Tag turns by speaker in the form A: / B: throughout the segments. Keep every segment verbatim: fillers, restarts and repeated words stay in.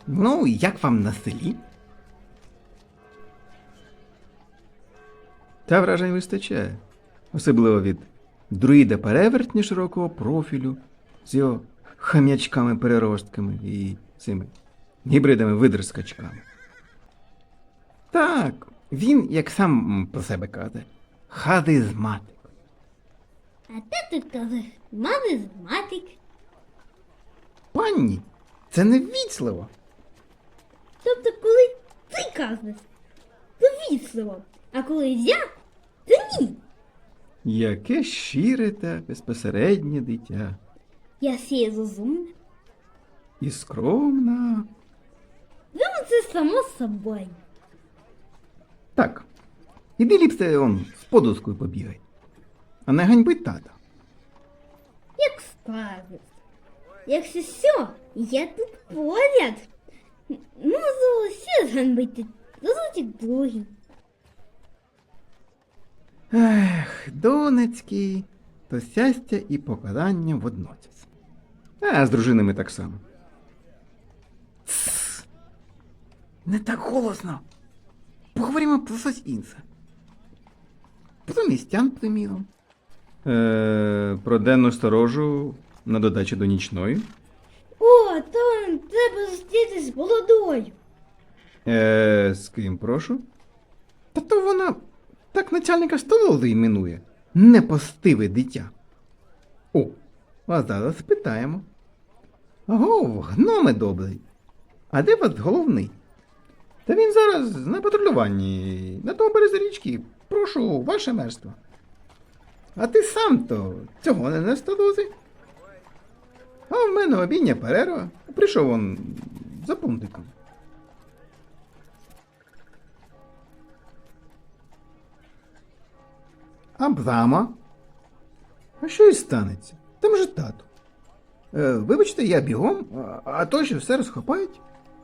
A: Ну, як вам на селі? Та вражень вистачає. Особливо від друїда-перевертня широкого профілю з його хам'ячками-переростками і цими гібридами-видерскачками. Так, він, як сам про себе каже, харизматик.
B: А тато каже, маризматик.
A: Панні, це не ввічливо.
B: Тобто, коли ти кажеш, то вічливо, а коли я, то ні.
A: Яке щире та безпосереднє дитя.
B: Я сіє розумна.
A: І скромна.
B: Ну, це само собою.
A: Так, іди ліпше он з подускою побігай. А не ганьбить тата.
B: Як скажеш. Якщо що, я тут поряд. Можу ще зганбити разочок другий.
A: Ех, донецький, то щастя і покарання водночас. А з дружинами так само. Тсс! Не так голосно. Поговоримо про щось інше. Про містян, приміром. Е, про денну сторожу на додачу до нічної.
B: О, там треба зустрітись з молодою.
A: Е, з ким, прошу? Та то вона так начальника столової іменує. Непостиве дитя. О, а зараз спитаємо. Гов, гноме добрий. А де вас головний? Та він зараз на патрулюванні, на тому березі річки. Прошу, ваше мерство. А ти сам-то цього не на столози? А в мене обідня перерва. Прийшов он за пунктиком. Абрама? А що і станеться? Там же тато. Е, вибачте, я бігом, а, а то що все розхопають.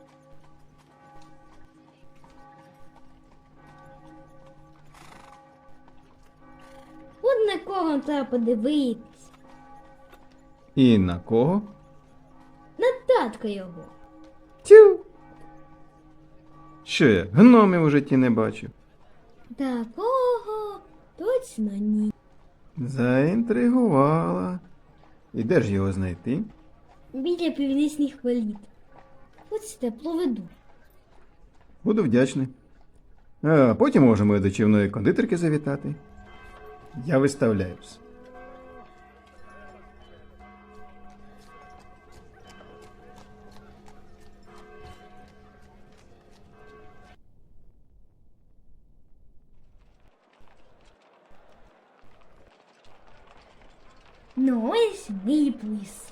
B: От на кого треба подивитись.
A: І на кого?
B: На татка його.
A: Тю. Що я, гномів у житті не бачив?
B: Такого точно ні.
A: Заінтригувала. І де ж його знайти?
B: Біля північних воріт. Хочете, проведу.
A: Буду вдячний. А потім можемо і до чівної кондитерки завітати. Я виставляюсь.
B: Ну, ось мій плис.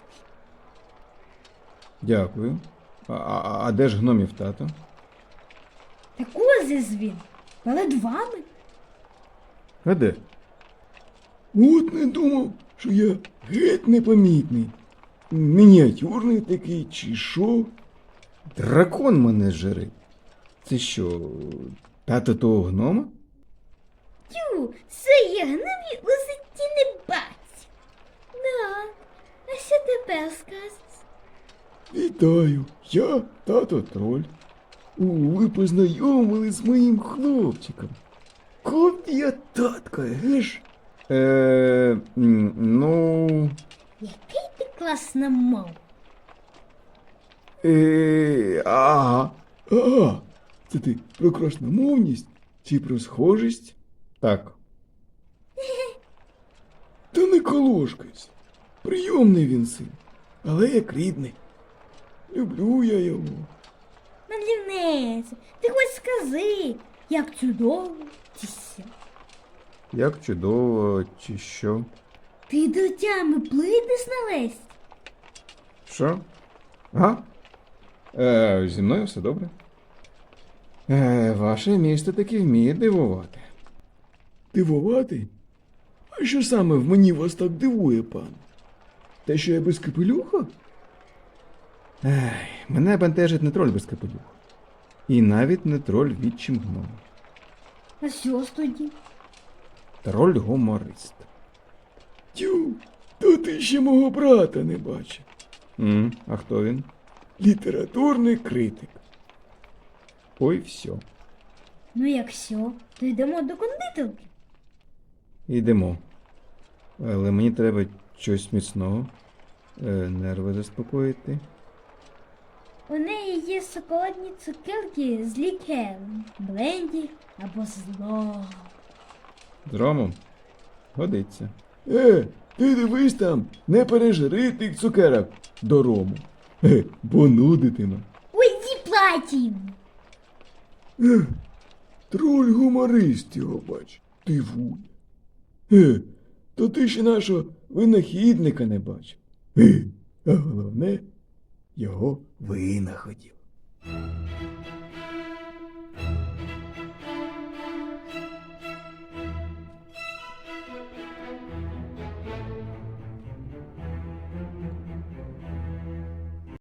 A: Дякую. А, а, а де ж гномів тато?
B: Так ось із він. Перед вами.
A: А де? От не думав, що я геть непомітний. Мініатюрний такий, чи що? Дракон мене жре. Це що, тато того гнома?
B: Тю, це я гномі у житті не бачу. Да, а що тепер скажеш?
A: Вітаю, я тато троль. О, ви познайомились з моїм хлопчиком. Копія татка, геш? Е, ну...
B: Який ти класна мов.
A: Е, ага. Ага. Це ти про красномовність чи про схожість? Так. Та не колошкайся. Прийомний він син, але як рідний. Люблю я його.
B: Мандрівнице, ти хоч скажи, як чудово чи що?
A: Як чудово, чи що?
B: Ти до тями плитиш на лесь?
A: Що? Ага. Е, зі мною все добре. Е, ваше місто таки вміє дивувати. Дивувати? А що саме в мені вас так дивує, пан? Те, що я без капелюха? Ех, мене бентежить не троль без капелюха. І навіть не троль відчим гном.
B: А що ж тоді?
A: Троль-гуморист. Тю, то ти ще мого брата не бачив. Mm, а хто він?
C: літературний критик. Ой, все.
B: Ну якщо, то йдемо до кондитерки.
C: Йдемо. Але мені треба щось міцного. Е, нерви заспокоїти.
B: У неї є шоколадні цукерки з лікером, бленді або зло.
C: З ромом? Годиться. Е, ти дивись там, не пережри тих цукерок до рому. Е, бо нудитиме.
B: Ой, зіплатім!
C: Е, троль гуморист його бач, дивує. Е, то ти ще нашого винахідника не бачив. Е, а головне, його винаходів.